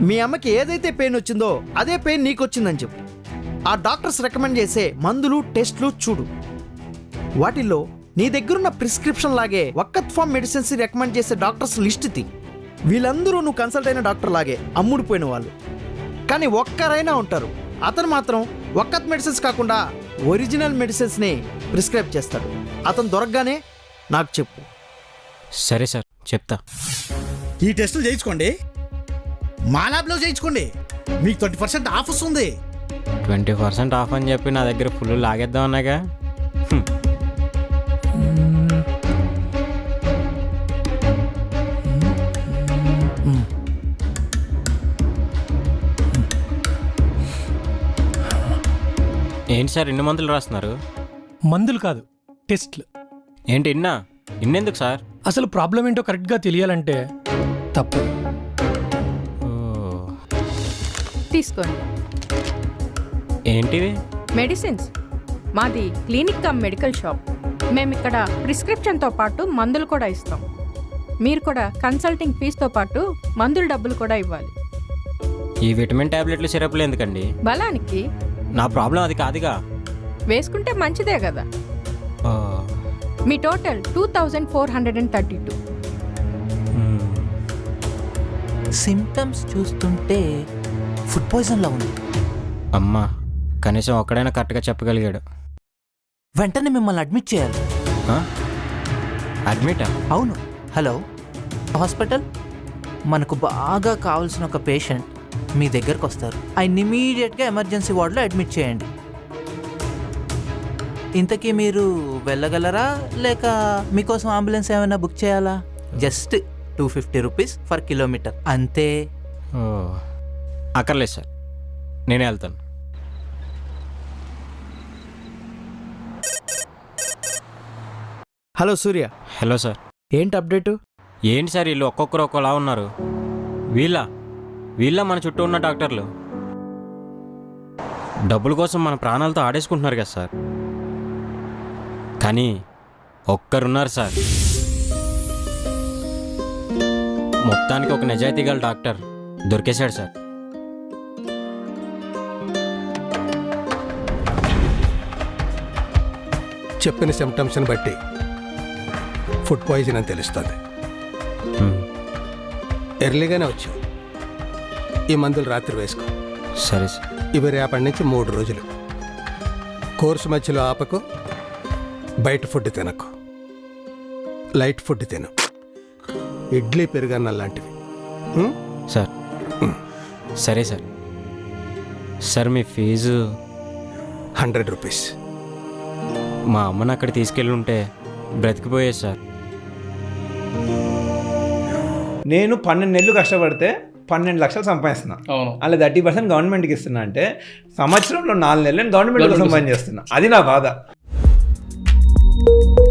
మీ అమ్మకి ఏదైతే పెయిన్ వచ్చిందో అదే పెయిన్ నీకు వచ్చిందని చెప్పు. ఆ డాక్టర్స్ రికమెండ్ చేసే మందులు టెస్ట్లు చూడు. వాటిల్లో నీ దగ్గరున్న ప్రిస్క్రిప్షన్ లాగే వక్కత్ ఫార్మ్ మెడిసిన్స్ రికమెండ్ చేసే డాక్టర్స్ లిస్ట్ తీ. వీళ్ళందరూ నువ్వు కన్సల్ట్ అయిన డాక్టర్ లాగే అమ్ముడిపోయిన వాళ్ళు, కానీ ఒక్కరైనా ఉంటారు అతను మాత్రం వక్కత్ మెడిసిన్స్ కాకుండా ఒరిజినల్ మెడిసిన్స్ని ప్రిస్క్రైబ్ చేస్తాడు. అతను దొరకగానే నాకు చెప్పు. సరే సార్, చెప్తా. ఈ టెస్టులు చేయించుకోండి, మా ల్యాబ్లో చేయించుకోండి, మీకు 20% ఆఫ్ వస్తుంది. 20% ఆఫ్ అని చెప్పి నా దగ్గర ఫుల్ లాగేద్దాం అన్నాగా. ఏంటి సార్ ఇన్ని మందులు రాస్తున్నారు? మందులు కాదు, టెస్ట్లు. ఏంటి ఇన్నెందుకు సార్? అసలు ప్రాబ్లం ఏంటో కరెక్ట్గా తెలియాలంటే తప్పు. తీసుకోండి. ఏంటివి? మెడిసిన్స్. మాది క్లినిక్ కమ్ మెడికల్ షాప్. మేము ఇక్కడ ప్రిస్క్రిప్షన్తో పాటు మందులు కూడా ఇస్తాం. మీరు కూడా కన్సల్టింగ్ ఫీజుతో పాటు మందుల డబ్బులు కూడా ఇవ్వాలి. ఈ విటమిన్ టాబ్లెట్లు సిరప్లు ఎందుకండి? బలానికి. నా ప్రాబ్లం అది కాదుగా. వేసుకుంటే మంచిదే కదా. మీ టోటల్ 2432. సిమ్టమ్స్ చూస్తుంటే ఫుడ్ పాయిజన్లా ఉంది. అమ్మా, కనీసం ఒక్కడైనా కరెక్ట్గా చెప్పగలిగాడు. వెంటనే మిమ్మల్ని అడ్మిట్ చేయాలి. అడ్మిటా? అవును. హలో హాస్పిటల్, మనకు బాగా కావాల్సిన ఒక పేషెంట్ మీ దగ్గరకు వస్తారు. ఆయన ఇమీడియట్గా ఎమర్జెన్సీ వార్డులో అడ్మిట్ చేయండి. ఇంతకీ మీరు వెళ్ళగలరా లేక మీకోసం అంబులెన్స్ ఏమైనా బుక్ చేయాలా? జస్ట్ 250 రూపీస్ ఫర్ కిలోమీటర్ అంతే. అక్కర్లేదు సార్, నేనే వెళ్తాను. హలో సూర్య. Hello sir. ఏంటి అప్డేటు? ఏంటి సార్ వీళ్ళు ఒక్కొక్కరు ఒక్కోలా ఉన్నారు? వీళ్ళ మన చుట్టూ ఉన్న డాక్టర్లు డబ్బుల కోసం మన ప్రాణాలతో ఆడేసుకుంటున్నారు కదా సార్. కానీ ఒక్కరున్నారు సార్, మొత్తానికి ఒక నిజాయితీ గల డాక్టర్ దొరికేశాడు సార్. చెప్పిన సిమ్టమ్స్ని బట్టి ఫుడ్ పాయిజన్ అని తెలుస్తుంది. ఎర్లీగానే వచ్చావు. ఈ మందులు రాత్రి వేసుకో. సరే సార్. ఇవి రేపటి నుంచి 3 రోజులు. కోర్సు మధ్యలో ఆపకు, బయట ఫుడ్ తినకు, లైట్ ఫుడ్ తిను, ఇడ్లీ పెరుగన్న లాంటివి. సార్ సరే సార్. సార్ మీ ఫీజు 100 రూపీస్. మా అమ్మని అక్కడ తీసుకెళ్ళి ఉంటే బ్రతికిపోయేది సార్. నేను 12 నెలలు కష్టపడితే 12 లక్షలు సంపాదిస్తున్నా. అలా 30% గవర్నమెంట్కి ఇస్తున్నా అంటే సంవత్సరంలో 4 నెలలు గవర్నమెంట్ సంపాదించేస్తున్నా. అది నా బాధ.